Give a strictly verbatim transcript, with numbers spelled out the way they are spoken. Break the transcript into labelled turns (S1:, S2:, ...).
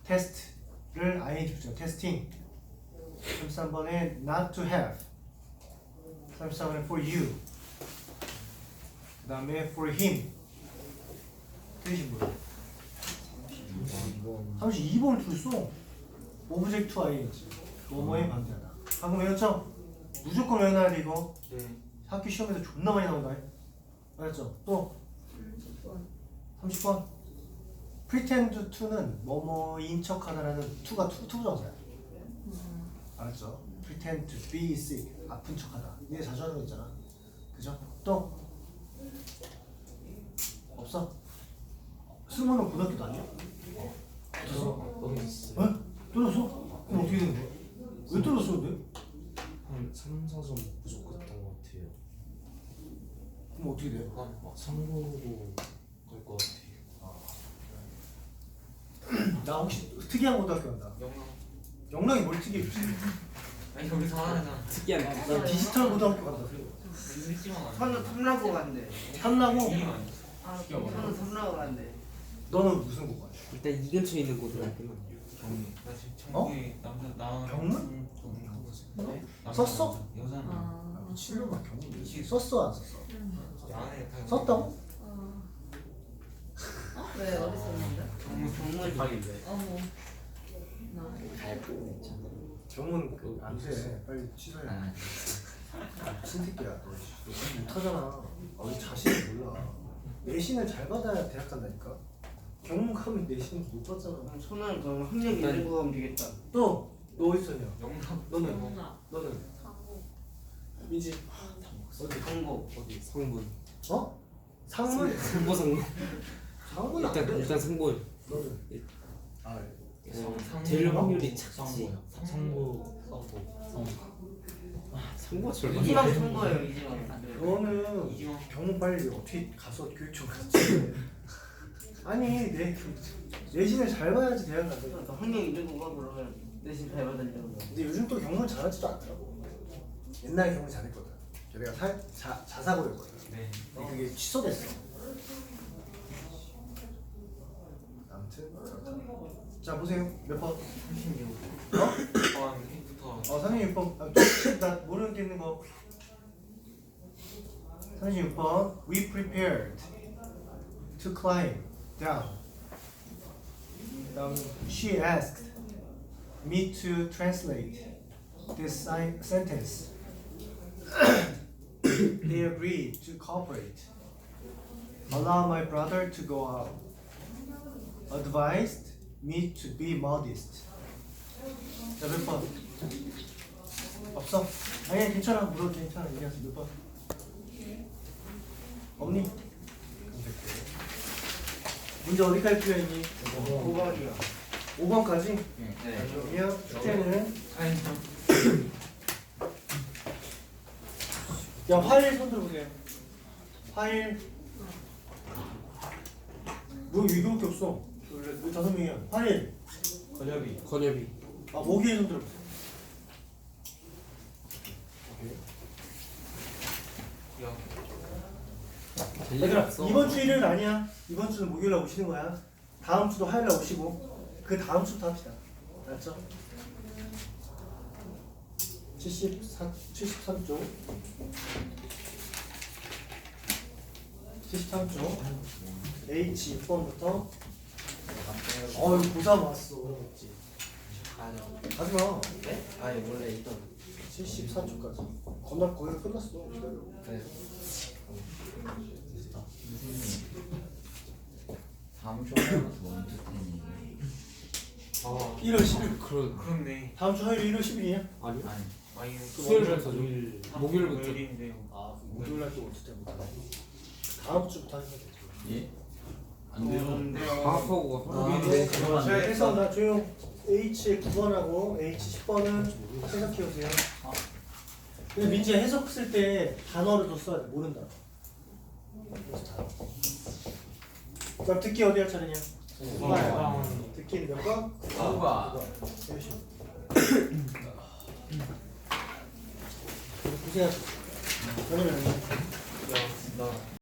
S1: 테스트를 아이엔지 붙여 테스팅. 삼십삼 번에 not to have. 삼십사 번에 for you. 그 다음에 for him. 뜻이 뭐야? 삼십이 번을 틀렸어. 오브젝트 투 아이엔지. 뭐뭐에 반대하다. 방금 외웠죠? 무조건 외워놔야 돼 이거.
S2: 네.
S1: 학교 시험에서 존나 많이 나온다. 알았죠? 또 삼십 번. pretend to는 뭐뭐인 척하다라는 to가 투 투부정사야. 알았죠? pretend to be sick. 아픈 척하다. 얘 자주 하는 거 있잖아. 그죠? 또 없어? 승호는 고등학교도 아니야? 떨어졌어?
S2: 떨어졌어요.
S1: 어? 떨어졌어? 그럼 어떻게 되는 거야? 왜 떨어졌어 근데?
S2: 한 삼, 사 점 부족했던 것 같아요.
S1: 그럼 어떻게 돼?
S2: 한막 삼으로 갈 것 같아요.
S1: 나 혹시 특이한 고등학교 간다.
S3: 영랑.
S1: 영락이 뭘 특이해?
S3: 아니 여기서 하나잖아.
S4: 특이한
S1: 나 디지털 고등학교 간다.
S3: 늦지만
S5: 선우 탐라고 간대.
S1: 탐나고
S5: 아, 선우 탐라고 간대.
S1: 너는 무슨 고가?
S4: 일단 이 근처에 있는 고등학교는
S3: 경리. 나 지금
S1: 어?
S3: 청구에 남자 나.
S1: 경문?
S3: 네?
S1: 썼어?
S3: 여자는.
S1: 아, 미친놈아 경문
S3: 이게
S1: 썼어 안 썼어?
S3: 안에 다.
S1: 썼다고?
S6: 어. 어? 왜 어디 썼는데?
S3: 경문
S5: 정말
S2: 각인데.
S6: 어머. 나
S1: 경문 그 안돼 빨리 취소해. 미친 새끼야 너. 너 지금 못하잖아. 너 자신을 몰라. 내신을 잘 받아야 대학 간다니까. 경문 가면 내신 못 받잖아.
S5: 그럼 선우는 그럼 학력 있는 거 하면 되겠다.
S1: 또 너 어디 있었냐?
S3: 영락.
S1: 너는
S6: 영락.
S1: 너는
S6: 사고.
S1: 민지
S5: 어디 강고
S4: 어디 성분
S1: 어? 상문?
S4: 성분 성분
S1: 상문 안
S4: 일단
S1: 돼.
S4: 일단 성분
S1: 너는 아
S4: 어,
S3: 상-
S4: 제일
S1: 상부?
S4: 확률이 작지.
S2: 성부, 성부.
S4: 아 성부가 제일
S5: 이지망 선거예요 이지망.
S1: 너는
S3: 이지영.
S1: 경문 빨리 어떻게 가서 교육청 갔지? 아니 내 내신을 잘 봐야지 대학 간다.
S5: 그러니까 학력 있는 거가 그러면 내신 잘 받으려고.
S1: 근데 요즘 또 경문 잘하지도 않더라고. 옛날에 경문 잘했거든. 걔네가 사, 자, 자사고였거든.
S3: 네.
S1: 근데 그게 취소됐어. 아무튼 자 보세요 몇 번?
S3: 삼십육.
S1: 어?
S3: 포함 일부터.
S1: 어 삼십육 번. 아, 또, 나 모르는 게 있는 거. 삼십육 번. We prepared to climb down. 다음 she asked me to translate this si- sentence. They agreed to cooperate. Allow my brother to go out. Advised me to be modest. 자, 몇 번? 없어? 아니, 괜찮아. 물어도 괜찮아. 얘기하세요. 몇 번? 없니? 그럼 됐고. 문제 어디까지 풀려있니?
S5: 오 번이요.
S1: 오 번까지?
S3: 네.
S1: 그러면 숙제는
S3: 사인점.
S1: 야, 화일 손 들어보세요. 화일. 뭐 이거밖에 없어. 우리 다섯 명이야. 화일.
S3: 권엽이.
S4: 건엽이
S1: 아, 모기의 손 들어보세요.
S3: 영.
S4: 될 리가
S1: 얘들아,
S4: 없어.
S1: 이번 주 일요일 아니야. 이번 주는 목요일날 오시는 거야. 다음 주도 화요일날 오시고 그 다음 주부터 합시다. 알았죠? 칠십사, 칠십삼 쪽 칠십삼 쪽 H 육 번부터 어이 고삼 왔어.
S5: 아니요.
S1: 하지마.
S5: 네? 아니 원래 있던.
S1: 칠십사 쪽까지 겁나 거의 끝났어. 기다려.
S5: 네.
S7: 다음 주 화요일부터 언제 테니?
S3: 아.
S1: 일월 십일.
S4: 그런
S3: 그렇네.
S1: 다음 주 화요일 일월 십일이냐?
S4: 아니
S7: 아니
S3: 아니.
S4: 수요일부터 목요일 목요일부터
S3: 목요일인데요.
S1: 아 목요일 날또 어떻게 못하네. 다음 주부터 하시면 되죠.
S7: 예? 안 돼요.
S4: 방학하고
S1: 아,
S4: 목요일인데
S1: 자, 그래서 나 조용 H 구 번하고 H 십 번은 해석해 오세요. 근데 민지 해석 쓸 때 단어를 더 써야 돼. 모른다. 그럼 듣기 어디 할 차례냐?
S3: 아.
S1: 듣기는 몇 번?
S7: 아.
S1: 열심히. 고생하셨어. 저녁에 만나요.
S3: 야, 나.